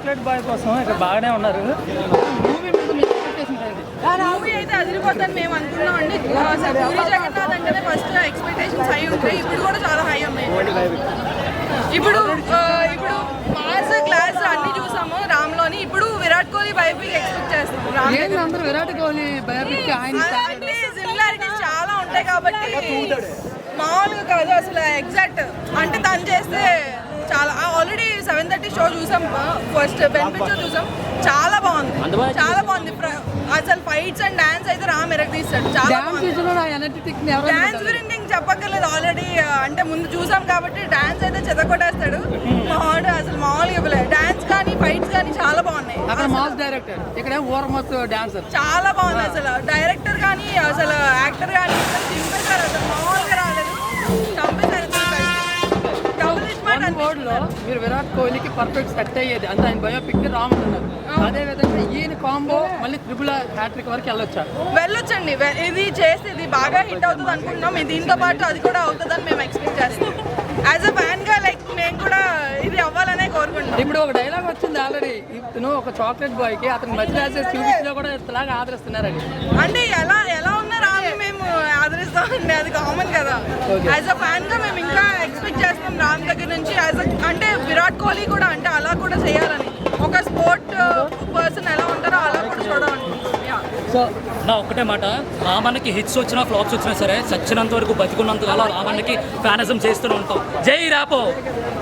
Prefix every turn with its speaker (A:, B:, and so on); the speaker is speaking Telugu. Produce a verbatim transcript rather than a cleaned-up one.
A: చాక్లెట్ బాయ్ కోసం ఇక్కడ బాగానే ఉన్నారు. మూవీ మీద మీ ఎక్స్పెక్టేషన్ ఏంటి?
B: మూవీ అయితే అదిరిపోతుందని మేము అనుకున్నాం అండి. అసలు పూరి జగన్నాథ్ అంటేనే ఫస్ట్ ఎక్స్పెక్టేషన్స్ హై ఉంటాయి, ఇప్పుడు కూడా చాలా హై ఉన్నాయి. ఇప్పుడు ఆ, ఇప్పుడు మాస్ క్లాస్ అన్ని చూసాము రామ్లోని, ఇప్పుడు విరాట్ కోహ్లీ బయోపిక్ ఎక్స్పెక్ట్ చేస్తాం. రామ్
A: ఏంటి అందరూ విరాట్ కోహ్లీ బయోపిక్ ఆయన
B: అలాంటి సిమిలారిటీస్ చాలా ఉంటాయి కాబట్టి మామూలుగా కాదు అసలు ఎగ్జాక్ట్ అంటే తను చేస్తే చాలా. ఆల్రెడీ సెవెన్ థర్టీ షో చూసాం, ఫస్ట్ బెనిఫిట్ షో చూసాం, చాలా బాగుంది చాలా బాగుంది. ప్ర- అసలు ఫైట్స్ అండ్ డాన్స్ అయితే రామ్ ఎరగదీస్తాడు, చాలా బాగుంది. డాన్స్ గురించి ఇంక చెప్పక్కర్లేదు, ఆల్రెడీ అంటే ముందు చూసాం కాబట్టి డాన్స్ అయితే చెదకొట్టేస్తాడు మామూలు. అసలు మామూలుగా ఇవ్వలేదు డాన్స్ కానీ ఫైట్స్ కానీ చాలా బాగున్నాయి.
A: అక్కడ మాస్ డైరెక్టర్, ఇక్కడ ఊరమస్ డాన్సర్.
B: చాలా బాగుంది అసలు డైరెక్టర్ కానీ అసలు యాక్టర్ కానీ చింపేశారు, అసలు మామూలుగా రాలేదు, చంపేశారు. డబుల్ స్మార్ట్
A: వరల్డ్ లో మీరు విరాట్ కోహ్లీకి పర్ఫెక్ట్ సెట్ అయ్యేది అంటే ఆయన బయోపిక్ రామ్ అన్నారు. అదే విధంగా ఈయన కాంబో మళ్ళీ త్రిపుల్ హ్యాట్రిక్ వరకు వెళ్ళొచ్చా?
B: వెళ్ళొచ్చండి. వె- ఇది చేసి ఇది బాగా హిట్ అవుతుంది అనుకుంటున్నాం. ఇది దీంతో పాటు అది కూడా అవుతుందని మేము ఎక్స్పెక్ట్ చేస్తాం. యాజ్ అ ఫ్యాన్ గా లైక్ మేము కూడా ఇది అవ్వాలనే కోరుకుంటున్నాం.
A: ఇప్పుడు ఒక డైలాగ్ వచ్చింది ఆల్రెడీ, ఇతను ఒక చాక్లెట్ బాయ్ కి అతను మధ్య రాసేసి చూపించినా కూడా ఇలాగా ఆదరిస్తున్నారని.
B: అంటే ఎలా ఎలా ఉన్నారా అని మేము ఆదరిస్తామండి, అది కామన్ కదా. యాజ్ అ ఫ్యాన్ గా మేము ఇంకా ఎక్స్పెక్ట్ చేస్తాం రామ్ దగ్గర నుంచి. యాజ్ అంటే విరాట్ కోహ్లీ కూడా అంటే అలా కూడా చేయాలని, ఒక స్పోర్ట్ పర్సన్ ఎలా ఉంటారో అలా కూడా చూడాలనుకుంటున్నాం.
A: సో
C: నా ఒక్కటే మాట, రామన్నకి హిట్స్ వచ్చినా ఫ్లాప్స్ వచ్చినా సరే చచ్చినంత వరకు బతికున్నంత కాలం రామన్నకి ఫ్యానిజం చేస్తూనే ఉంటాం. జై రాపో.